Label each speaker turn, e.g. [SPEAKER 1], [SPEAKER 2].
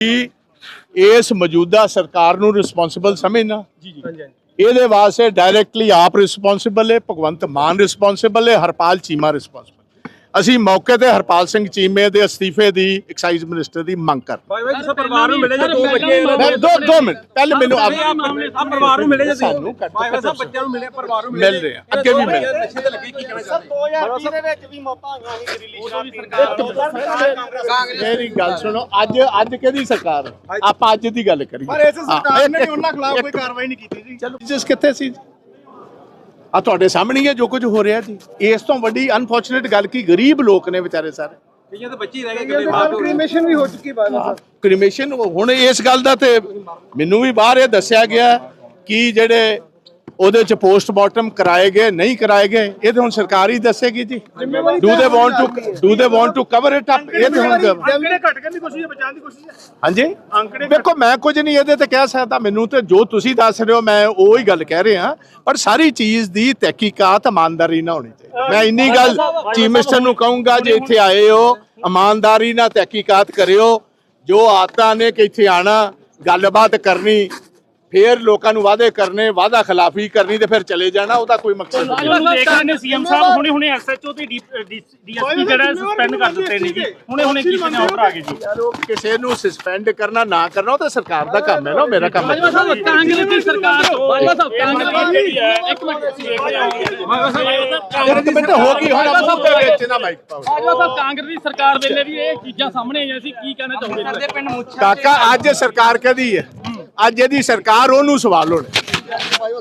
[SPEAKER 1] इस मौजूदा सरकार नूं रिस्पोंसिबल समझना ये वास्ते डायरैक्टली आप रिस्पोंसिबल है, भगवंत मान रिस्पोंसिबल है, हरपाल चीमा रिस्पोंसिबल। ਅਸੀਂ मौके ਤੇ ਹਰਪਾਲ ਸਿੰਘ ਚੀਮੇ ਦੇ ਅਸਤੀਫੇ ਦੀ ਐਕਸਾਈਜ਼ ਮਿਨਿਸਟਰ ਦੀ ਮੰਗ ਕਰ
[SPEAKER 2] ਪਰਿਵਾਰ ਨੂੰ ਮਿਲੇ ਜੇ ਦੋ ਬੱਚੇ
[SPEAKER 1] ਦੋ ਮਿੰਟ ਪਹਿਲੇ ਮੈਨੂੰ
[SPEAKER 2] ਪਰਿਵਾਰ ਨੂੰ ਮਿਲੇ ਜੇ ਸਾਨੂੰ ਭਾਈ ਸਾਹਿਬ ਬੱਚਿਆਂ ਨੂੰ ਮਿਲੇ ਪਰਿਵਾਰ ਨੂੰ
[SPEAKER 1] ਮਿਲ ਰਹੇ ਆ ਅੱਗੇ ਵੀ ਮਿਲ
[SPEAKER 2] ਨਸ਼ੇ ਤੇ ਲੱਗੇ ਕੀ ਕਹਿਣਾ ਚਾਹੁੰਦੇ
[SPEAKER 3] 2020 ਦੇ ਵਿੱਚ ਵੀ ਮੌਤਾਂ ਆਈਆਂ ਸੀ ਦਿੱਲੀ
[SPEAKER 1] ਮੇਰੀ ਗੱਲ ਸੁਣੋ ਅੱਜ ਕਿਹਦੀ ਸਰਕਾਰ ਹੈ? ਆਪਾਂ ਅੱਜ ਦੀ ਗੱਲ ਕਰੀਏ
[SPEAKER 3] ਪਰ ਇਸ ਸਰਕਾਰ ਨੇ ਉਹਨਾਂ ਖਿਲਾਫ ਕੋਈ ਕਾਰਵਾਈ ਨਹੀਂ ਕੀਤੀ ਜੀ।
[SPEAKER 1] ਚਲੋ ਜਿਸ ਕਿੱਥੇ ਸੀ ਆ ਤੁਹਾਡੇ ਸਾਹਮਣੇ ਹੀ ਹੈ ਜੋ ਕੁਝ ਹੋ ਰਿਹਾ ਜੀ। ਇਸ ਤੋਂ ਵੱਡੀ ਅਨਫੋਰਚੂਨੇਟ ਗੱਲ ਕੀ ਗਰੀਬ ਲੋਕ ਨੇ ਵਿਚਾਰੇ ਸਾਰੇ
[SPEAKER 2] ਕਈਆਂ ਦੇ ਬੱਚੇ ਰਹਿ ਗਏ ਕਿਤੇ
[SPEAKER 3] ਕ੍ਰੀਮੇਸ਼ਨ ਵੀ ਹੋ ਚੁੱਕੀ ਬਾਅਦ
[SPEAKER 1] ਕ੍ਰੀਮੇਸ਼ਨ ਹੁਣ ਇਸ ਗੱਲ ਦਾ ਤੇ ਮੈਨੂੰ ਵੀ ਬਾਹਰ ਇਹ ਦੱਸਿਆ ਗਿਆ ਕਿ ਜਿਹੜੇ ਉਹਦੇ ਚ ਪੋਸਟਮਾਰਟਮ ਕਰਾਏ ਗਏ ਨਹੀਂ ਕਰਾਏ ਗਏ ਇਹ ਤੇ ਹੁਣ ਸਰਕਾਰ ਹੀ ਦੱਸੇਗੀ ਜੀ। Do they want to cover it up. ਇਹ ਤੇ ਹੁਣ
[SPEAKER 3] ਅੰਕੜੇ ਘਟ ਕਰਨ ਦੀ ਕੋਸ਼ਿਸ਼ ਹੈ, ਬਚਾਉਣ ਦੀ ਕੋਸ਼ਿਸ਼ ਹੈ।
[SPEAKER 1] ਹਾਂਜੀ ਦੇਖੋ ਮੈਂ ਕੁਝ ਨਹੀਂ ਇਹਦੇ ਤੇ ਕਹਿ ਸਕਦਾ, ਮੈਨੂੰ ਤੇ ਜੋ ਤੁਸੀਂ ਦੱਸ ਰਹੇ ਹੋ ਮੈਂ ਉਹ ਹੀ ਗੱਲ ਕਹਿ ਰਿਹਾ, ਪਰ ਸਾਰੀ ਚੀਜ਼ ਦੀ ਤਹਿਕੀਕਾਤ ਇਮਾਨਦਾਰੀ ਨਾਲ ਹੋਣੀ ਚਾਹੀਦੀ। ਮੈਂ ਇੰਨੀ ਗੱਲ ਚੀਫ ਮਿਨਿਸਟਰ ਨੂੰ ਕਹੂੰਗਾ ਜੇ ਇੱਥੇ ਆਏ ਹੋ ਇਮਾਨਦਾਰੀ ਨਾਲ ਤਹਿਕੀਕਾਤ ਕਰਿਓ। ਜੋ ਆਦਤਾਂ ਨੇ ਕਿ ਇੱਥੇ ਆਣਾ ਗੱਲਬਾਤ ਕਰਨੀ ਫਿਰ ਲੋਕਾਂ ਨੂੰ ਵਾਅਦੇ ਕਰਨੇ ਵਾਅਦਾ ਖਿਲਾਫੀ ਕਰਨੀ ਤੇ ਫਿਰ ਚਲੇ ਜਾਣਾ ਉਹਦਾ ਕੋਈ ਮਕਸਦ ਨਹੀਂ।
[SPEAKER 4] ਦੇਖ ਰਹੇ ਨੇ ਸੀਐਮ ਸਾਹਿਬ ਹੁਣੇ ਐਸਐਚਓ ਤੇ ਡੀਐਸਪੀ ਜਿਹੜਾ ਸਸਪੈਂਡ ਕਰ ਦਿੱਤੇ ਨੇ ਜੀ। ਹੁਣੇ ਕਿਸੇ ਨੇ ਆਰਡਰ ਆ ਗਏ ਜੀ।
[SPEAKER 1] ਕਿਸੇ ਨੂੰ ਸਸਪੈਂਡ ਕਰਨਾ ਨਾ ਕਰਨਾ ਉਹ ਤਾਂ ਸਰਕਾਰ ਦਾ ਕੰਮ ਹੈ ਨਾ, ਮੇਰਾ ਕੰਮ ਹੈ।
[SPEAKER 4] ਕਾਂਗਰਸ ਦੀ ਸਰਕਾਰ ਇੱਕ
[SPEAKER 1] ਮਿੰਟ ਹੋ ਗਈ ਹੁਣ ਮੂੰਹ ਦੇ ਵਿੱਚ ਨਾ ਮਾਈਕ ਪਾਓ।
[SPEAKER 4] ਕਾਂਗਰਸ ਦੀ ਸਰਕਾਰ ਵੇਲੇ ਵੀ ਇਹ ਚੀਜ਼ਾਂ ਸਾਹਮਣੇ ਆਈਆਂ ਸੀ। ਕੀ ਕਹਿਣਾ ਚਾਹੁੰਦੇ
[SPEAKER 1] ਕਾਕਾ ਅੱਜ ਸਰਕਾਰ ਕਹਦੀ ਹੈ, ਅੱਜ ਇਹਦੀ ਸਰਕਾਰ ਉਹਨੂੰ ਸਵਾਲ ਹੋਣੇ।